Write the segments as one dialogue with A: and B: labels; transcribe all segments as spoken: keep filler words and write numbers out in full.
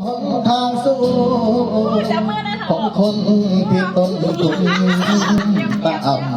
A: ทางสู้ของคนที่ต้นทุนต่ำ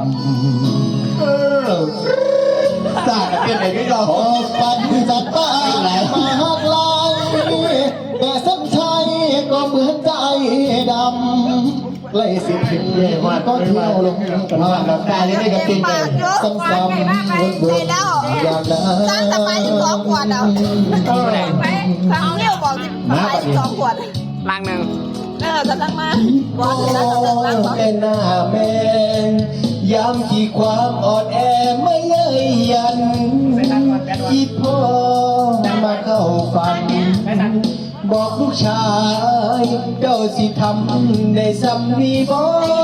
A: สาดเป็นไหนก็ยอมปันจัดป้ายมาหักลายแต่สัญชัยก็เหมือนใจดำไล่สิบถึงมาก็เที่ยวลงผ่านน้ำตาเลยไม่กับติดเลยซ้ำๆวนๆอย่างนั้น
B: สร้างสบายสิบสองขวดเอาเอาเรี่ยวบอกสิบสบายสิบสองขวด
C: ลังหนึ่ง
B: เออจะตั้งมาบอกสิแล้วจะตั้งสอง
A: เป็นหน้าแมนย้ำที่ความอ่อนแอไม่เย้ยยันอีพ่อมาเข้าฝันบอกลูกชายเจ้าสิทำได้สำนีบ่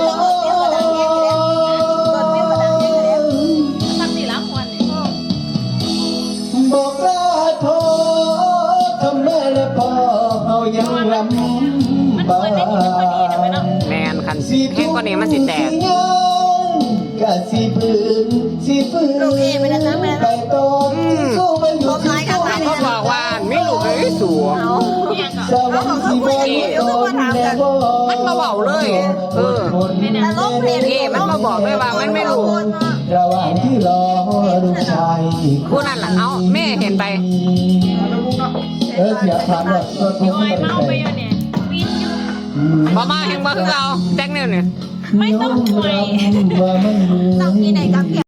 B: ตั้งสี่ล้านคนนี่
A: บอกลาโทษทำแม่และพ่อเขายังลำบาก
C: แมนคันแห้งกว่านี้มันสิแตก
A: กะสิปืนสิปืนไปต้มสู้มันอยู่ที่
C: ก็บอกว่าไม่ลูกเลยสูง
A: สวรรค์ที่บ่ต้นแม่บ่
C: มันมาบอกเลยเออเอมันมาบอกเลยว่ามันไม่รู้
A: ระหว่างที่รอลูกชาย
C: ผู้นั่นแหละเอาแม่เห็นไป
A: เออเสียผ่านแบบรถพุ่งไปเลย
C: มามาเห็นมาคือเราแจ็คเนี่ยเนี่ย
B: ไม่ต้องคุยต้องกินไหนกับ